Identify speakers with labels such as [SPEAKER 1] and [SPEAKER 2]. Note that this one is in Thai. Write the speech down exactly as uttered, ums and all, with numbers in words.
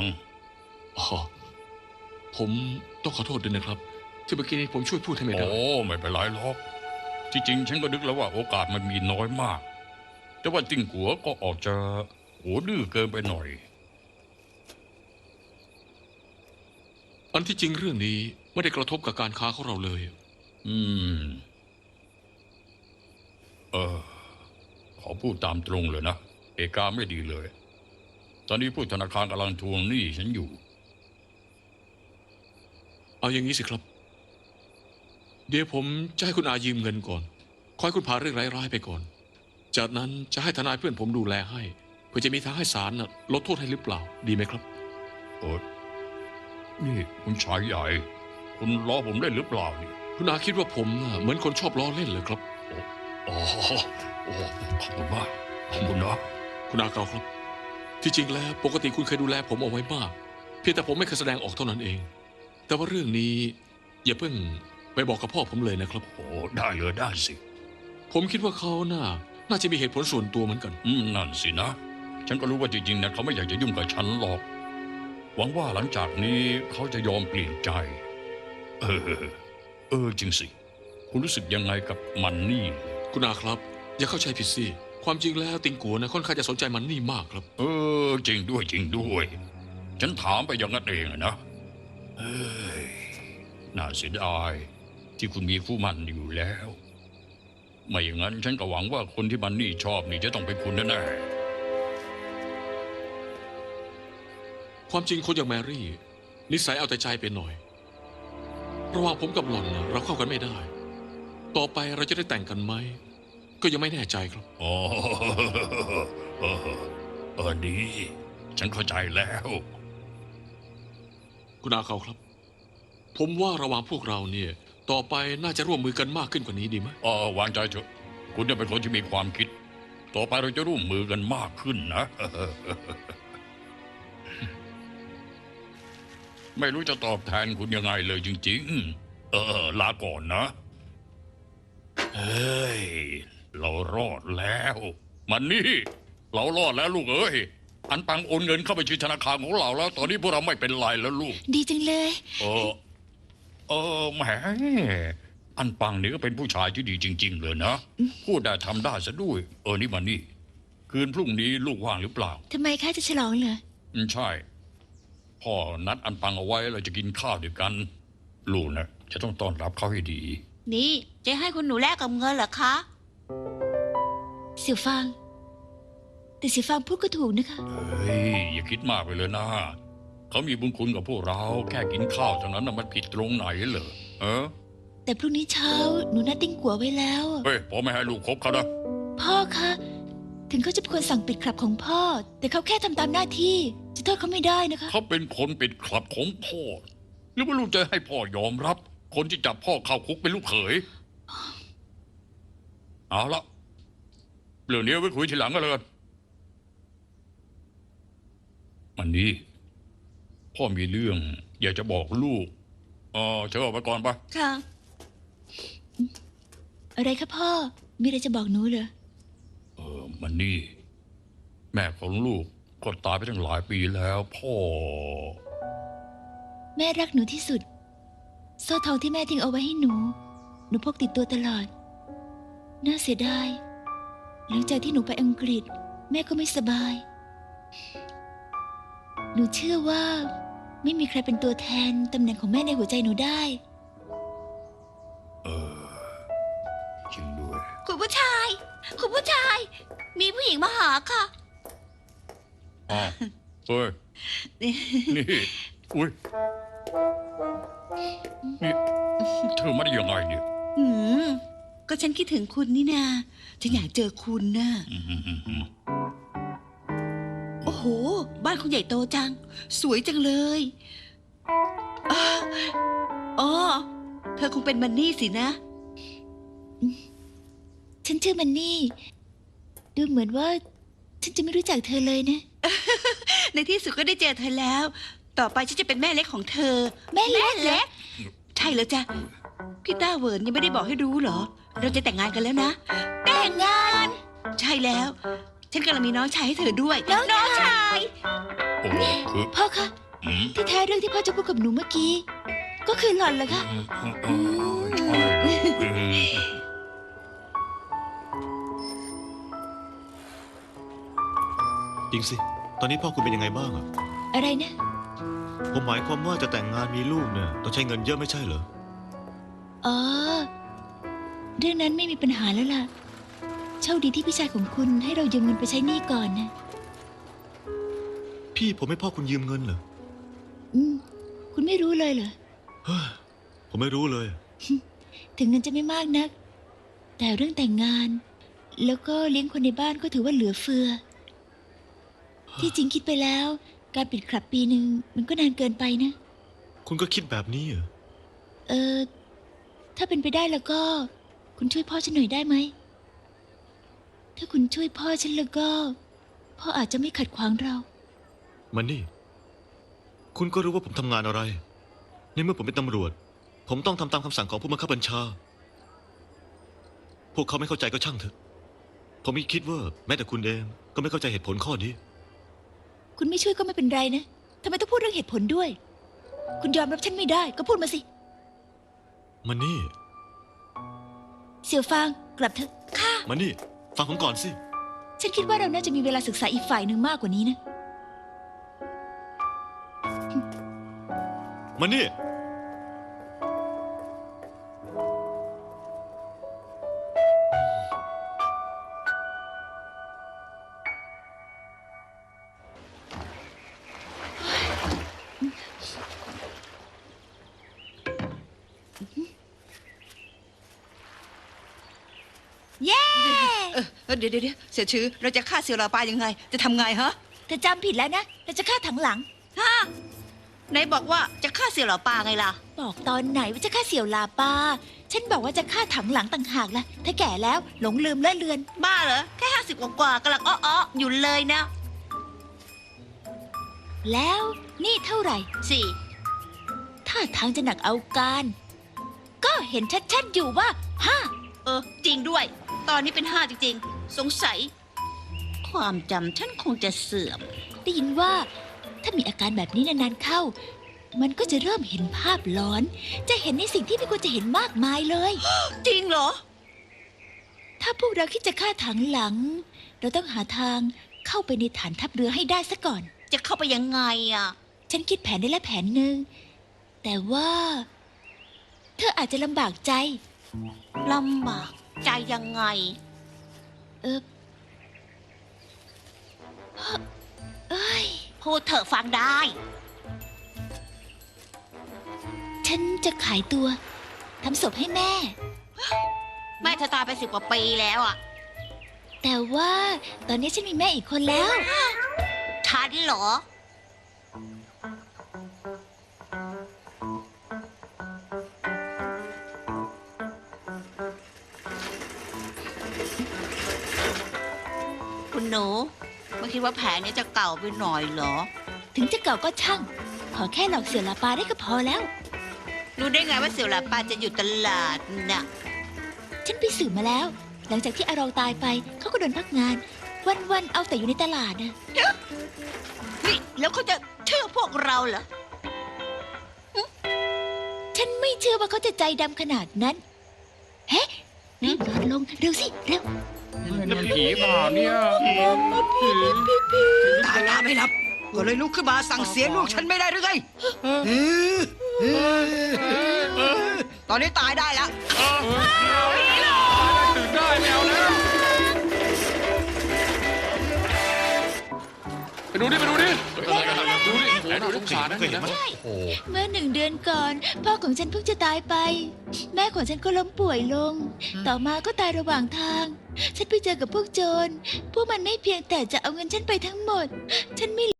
[SPEAKER 1] ง
[SPEAKER 2] อ๋อผมต้องขอโทษด้วยนะครับที่เมื่อกี้นี้ผมช่วยพูดให้ไม่ได้
[SPEAKER 1] โอ้ไม่เป็นไรหรอกที่จริงฉันก็นึกแล้วว่าโอกาสมันมีน้อยมากแต่ว่าติ้งกัวก็ออกจะโหดื้อเกินไปหน่อย
[SPEAKER 2] อันที่จริงเรื่องนี้ไม่ได้กระทบกับการค้าของเราเลย
[SPEAKER 1] อืม เออ ขอพูดตามตรงเลยนะเอกาไม่ดีเลย ตอนนี้ผู้ธนาคารกำลังทวงหนี้ฉันอยู่
[SPEAKER 2] เอาอย่างนี้สิครับ เดี๋ยวผมจะให้คุณอายืมเงินก่อนคอยคุณผ่านเรื่องร้ายๆไปก่อน จากนั้นจะให้ทนายเพื่อนผมดูแลให้เพื่อจะมีทางให้ศาลน่ะลดโทษให้หรือเปล่าดีไหมครับ
[SPEAKER 1] โอ้นี่คุณชายใหญ่ คุณล้อผมได้หรือเปล่าเนี่ย
[SPEAKER 2] คุณอาคิดว่าผมน่ะเหมือนคนชอบล้อเล่นเลยครับ
[SPEAKER 1] อ๋อโอ้ขอบคุณมากขอบคุณนะ
[SPEAKER 2] คุณอาเกาครับ ที่จริงแล้วปกติคุณเคยดูแลผมเอาไว้มาก เพียงแต่ผมไม่เคยแสดงออกเท่านั้นเอง แต่ว่าเรื่องนี้อย่าเพิ่งไปบอกกับพ่อผมเลยนะครับ
[SPEAKER 1] โอ้ได้เลยได้สิ
[SPEAKER 2] ผมคิดว่าเขาน่าน่าจะมีเหตุผลส่วนตัวเหมือนกัน
[SPEAKER 1] อืมนั่นสินะ ฉันก็รู้ว่าจริงๆนะเขาไม่อยากจะยุ่งกับฉันหรอก หวังว่าหลังจากนี้เขาจะยอมเปลี่ยนใจ เออ เออจริงสิ คุณรู้สึกยังไงกับมันนี่
[SPEAKER 2] คุณอาครับ อย่าเข้าใจผิดสิความจริงแล้วติงกัวนะค่อนข้างจะสนใจมันนี่มากครับ
[SPEAKER 1] เออจริงด้วยจริงด้วย ฉันถามไปอย่างนั้นเองอะนะเอ้ยน่าเสียดายที่คุณมีคู่หมันอยู่แล้ว ไม่อย่างนั้นฉันก็หวังว่าคนที่มันนี่ชอบนี่จะต้องเป็นคุณแน่
[SPEAKER 2] ความจริงคนอย่างแมรี่ นิสัยเอาแต่ใจไปหน่อย ระหว่างผมกับหล่อนน่ะเราเข้ากันไม่ได้ ต่อไปเราจะได้แต่งกันไหมก็ยังไม่แน่ใจครับ
[SPEAKER 1] ๆอ๋อเออเออดีฉันเข้าใจแล้ว
[SPEAKER 2] คุณอาเขาครับ ผมว่าระหว่างพวกเราเนี่ย ต่อไปน่าจะร่วมมือกันมากขึ้นกว่านี้ดีไหม
[SPEAKER 1] เออวางใจเถอะคุณจะเป็นคนที่มีความคิด ต่อไปเราจะร่วมมือกันมากขึ้นนะ ไม่รู้จะตอบแทนคุณยังไงเลยจริงๆ เออลาก่อนนะ เฮ้ย เรารอดแล้ว มันนี่ เรารอดแล้วลูกเอ้ย อันปังโอนเงินเข้าไปที่ธนาคารของเราแล้ว ตอนนี้พวกเราไม่เป็นไรแล้วลูก
[SPEAKER 3] ดีจังเลย
[SPEAKER 1] เออ เออแหม อันปังนี่ก็เป็นผู้ชายที่ดีจริง ๆ เลยนะ พูดได้ทำได้ซะด้วย เออนี่มันนี่ คืนพรุ่งนี้ลูกว่างหรือเปล่า
[SPEAKER 3] ทำไมคะจะฉลองเหรอ
[SPEAKER 1] อืมใช่ พ่อนัดอันปังเอาไว้เราจะกินข้าวด้วยกัน ลูกนะจะต้องต้อนรับเขาให้ดี
[SPEAKER 4] นี่จะให้คุณหนูแลกกับเงินเหรอคะ
[SPEAKER 3] เสี่ยวฟาง แต่เสี่ยวฟางพูดก็ถูกนะคะ
[SPEAKER 1] เฮ้ย อย่าคิดมากไปเลยนะ เขามีบุญคุณกับพวกเรา แค่กินข้าวเท่านั้นนะมันผิดตรงไหนเหรอเออ
[SPEAKER 3] แต่พรุ่งนี้เช้าหนูนัดติ้งกัวไว้แล้ว
[SPEAKER 1] เฮ้ยพ่อไม่ให้ลูกคบเขานะ
[SPEAKER 3] พ่อคะ ถึงเขาจะเป็นคนสั่งปิดคลับของพ่อ แต่เขาแค่ทำตามหน้าที่ จะโทษเขาไม่ได้นะคะ
[SPEAKER 1] เขาเป็นคนปิดคลับของพ่อ หรือว่าลูกจะให้พ่อยอมรับ คนที่จับพ่อเข้าคุกเป็นลูกเขย เอาละเรื่องนี้ไว้คุยทีหลังกันเลยมันนี้พ่อมีเรื่อง อยากจะบอกลูกเออเชิญออกไปก่อนปะ
[SPEAKER 4] ค่ะ
[SPEAKER 3] อะไรคะพ่อ มีอะไรจะบอกหนูเหรอ
[SPEAKER 1] เออมันนี่ แม่ของลูกก็ตายไปตั้งหลายปีแล้วพ่อ
[SPEAKER 3] แม่รักหนูที่สุดโซ่ทองที่แม่ทิ้งเอาไว้ให้หนู หนูพกติดตัวตลอด น่าเสียดาย หลังจากที่หนูไปอังกฤษ แม่ก็ไม่สบาย หนูเชื่อว่า ไม่มีใครเป็นตัวแทนตำแหน่งของแม่ในหัวใจหนูได้
[SPEAKER 1] เออจริงด้วย
[SPEAKER 4] คุณผู้ชาย คุณผู้ชาย มีผู้หญิงมาหาค่ะ
[SPEAKER 1] อ้าวเฮ้ย นี่อุ้ยนี่เธอมาได้ยังไงเนี่ย
[SPEAKER 4] อืม ก็ฉันคิดถึงคุณนี่นาฉันอยากเจอคุณน่ะ
[SPEAKER 1] อืมอืมอืมอืม
[SPEAKER 4] โอ้โห บ้านคุณใหญ่โตจัง สวยจังเลยอ้าอ๋อ เธอคงเป็นมันนี่สินะ
[SPEAKER 3] ฉันชื่อมันนี่ ดูเหมือนว่า ฉันจะไม่รู้จักเธอเลยนะ
[SPEAKER 4] ในที่สุดก็ได้เจอเธอแล้ว ต่อไปฉันจะเป็นแม่เล็กของเธอ
[SPEAKER 3] แม่เล็กเหรอ
[SPEAKER 4] ใช่แล้วจ้ะ พี่ต้าเหวิร์นยังไม่ได้บอกให้รู้เหรอ เราจะแต่งงานกันแล้วนะ
[SPEAKER 3] แต่งงาน
[SPEAKER 4] ใช่แล้วฉันกำลังมีน้องชายให้เธอด้วย
[SPEAKER 3] น้องชาย
[SPEAKER 1] โอ้คือ
[SPEAKER 3] พ่อคะ
[SPEAKER 1] อืม
[SPEAKER 3] ที่แท้เรื่องที่พ่อจะพูดกับหนูเมื่อกี้ ก็คือหล่อนเหรอคะ
[SPEAKER 1] เออใช่เออ
[SPEAKER 5] จริงสิ ตอนนี้พ่อคุณเป็นยังไงบ้างอะ
[SPEAKER 3] อะไรนะ
[SPEAKER 5] ผมหมายความว่าจะแต่งงานมีลูกเนี่ยต้องใช้เงินเยอะไม่ใช่เหรอ
[SPEAKER 3] อ๋อ เรื่องนั้นไม่มีปัญหาแล้วล่ะ โชคดีที่พี่ชายของคุณให้เรายืมเงินไปใช้หนี้ก่อนนะ
[SPEAKER 5] พี่ผมให้พ่อคุณยืมเงินเหรอ
[SPEAKER 3] อืม คุณไม่รู้เลยเหรอ
[SPEAKER 5] เฮ้ยผมไม่รู้เลย
[SPEAKER 3] ถึงเงินจะไม่มากนัก แต่เรื่องแต่งงาน แล้วก็เลี้ยงคนในบ้านก็ถือว่าเหลือเฟือ ที่จริงคิดไปแล้ว การปิดคลับปีหนึ่งมันก็นานเกินไปนะ
[SPEAKER 5] คุณก็คิดแบบนี้เหรอ
[SPEAKER 3] เออ ถ้าเป็นไปได้แล้วก็ คุณช่วยพ่อฉันหน่อยได้ไหม ถ้าคุณช่วยพ่อฉันแล้วก็ พ่ออาจจะไม่ขัดขวางเรา
[SPEAKER 5] มันนี่ คุณก็รู้ว่าผมทำงานอะไร ในเมื่อผมเป็นตำรวจ ผมต้องทำตามคำสั่งของผู้บังคับบัญชา พวกเขาไม่เข้าใจก็ช่างเถอะ ผมไม่คิดว่าแม้แต่คุณเองก็ไม่เข้าใจเหตุผลข้อนี้
[SPEAKER 3] คุณไม่ช่วยก็ไม่เป็นไรนะทำไมต้องพูดเรื่องเหตุผลด้วย คุณยอมรับฉันไม่ได้ก็พูดมาสิ
[SPEAKER 5] มันนี่
[SPEAKER 3] เสี่ยวฟางกลับเถอะค่ะ
[SPEAKER 5] มันนี่ ฟังผมก่อนสิ
[SPEAKER 3] ฉันคิดว่าเราน่าจะมีเวลาศึกษาอีกฝ่ายหนึ่งมากกว่านี้นะ
[SPEAKER 5] มันนี่
[SPEAKER 3] เย้
[SPEAKER 4] เออเออเดี๋ยวเดี๋ยวเดี๋ยวเสี่ยวชื้อเราจะฆ่าเสี่ยวหลาปายังไง จะทำไงฮะ
[SPEAKER 3] เธอจำผิดแล้วนะเราจะฆ่าถังหลัง
[SPEAKER 4] ฮะไหนบอกว่าจะฆ่าเสี่ยวหลาปาไงล่ะ
[SPEAKER 3] บอกตอนไหนว่าจะฆ่าเสี่ยวลาปา ฉันบอกว่าจะฆ่าถังหลังต่างหากล่ะถ้าแก่แล้วหลงลืมเลื่อนเลือน
[SPEAKER 4] บ้าเหรอ แค่ห้าสิบกว่าๆกำลังอ้อๆอยู่เลยนะ
[SPEAKER 3] แล้วนี่เท่าไหร่
[SPEAKER 4] สี่
[SPEAKER 3] ถ้าทางจะหนักเอาการ ก็เห็นชัดๆอยู่ว่าห้า
[SPEAKER 4] เออ จริงด้วย ตอนนี้เป็นห้าจริงๆ สงสัย ความจำฉันคงจะเสื่อม
[SPEAKER 3] ได้ยินว่าถ้ามีอาการแบบนี้นานๆเข้า มันก็จะเริ่มเห็นภาพหลอน จะเห็นในสิ่งที่ไม่ควรจะเห็นมากมายเลย
[SPEAKER 4] จริงเหรอ
[SPEAKER 3] ถ้าพวกเราคิดจะฆ่าถังหลัง เราต้องหาทางเข้าไปในฐานทัพเรือให้ได้ซะก่อน
[SPEAKER 4] จะเข้าไปยังไงอ่ะ
[SPEAKER 3] ฉันคิดแผนได้แล้วแผนหนึ่ง แต่ว่า เธออาจจะลำบากใจ
[SPEAKER 4] ลำบากใจยังไง
[SPEAKER 3] เออเอ้ย
[SPEAKER 4] พูดเถอะฟังได้
[SPEAKER 3] ฉันจะขายตัวทำศพให้แม่
[SPEAKER 4] แม่เธอตายไปสิบกว่าปีแล้วอ่ะ
[SPEAKER 3] แต่ว่าตอนนี้ฉันมีแม่อีกคนแล้ว
[SPEAKER 4] ฉันเหรอ คุณหนูไม่คิดว่าแผนนี้จะเก่าไปหน่อยเหรอ
[SPEAKER 3] ถึงจะเก่าก็ช่าง ขอแค่หลอกเสือลาปาได้ก็พอแล้ว
[SPEAKER 4] รู้ได้ไงว่าเสี่ยวหลาปาจะอยู่ตลาดน่ะ
[SPEAKER 3] ฉันไปสืบมาแล้ว หลังจากที่อารองตายไป เขาก็โดนพักงาน วันๆเอาแต่อยู่ในตลาดนะ
[SPEAKER 4] นี่แล้วเขาจะเชื่อพวกเราเหรอ
[SPEAKER 3] ฉันไม่เชื่อว่าเขาจะใจดำขนาดนั้น เฮ้รีบนอนลงเร็วสิ เร็ว
[SPEAKER 1] นั่นผีเปล่าเนี่ย
[SPEAKER 6] ตายตาไม่หลับ ก็เลยลุกขึ้นมาสั่งเสียลูกฉันไม่ได้หรือไงตอนนี้ตายได้แล้ว
[SPEAKER 1] ตื่นได้แมวแล้วไปดูดิไปดูดิดูดิไหนดูดิสารนะ
[SPEAKER 5] เคยเห็นไหม
[SPEAKER 1] โอ้
[SPEAKER 3] เมื่อหนึ่งเดือนก่อน พ่อของฉันเพิ่งจะตายไป แม่ของฉันก็ล้มป่วยลง ต่อมาก็ตายระหว่างทาง ฉันไปเจอกับพวกโจร พวกมันไม่เพียงแต่จะเอาเงินฉันไปทั้งหมด ฉันไม่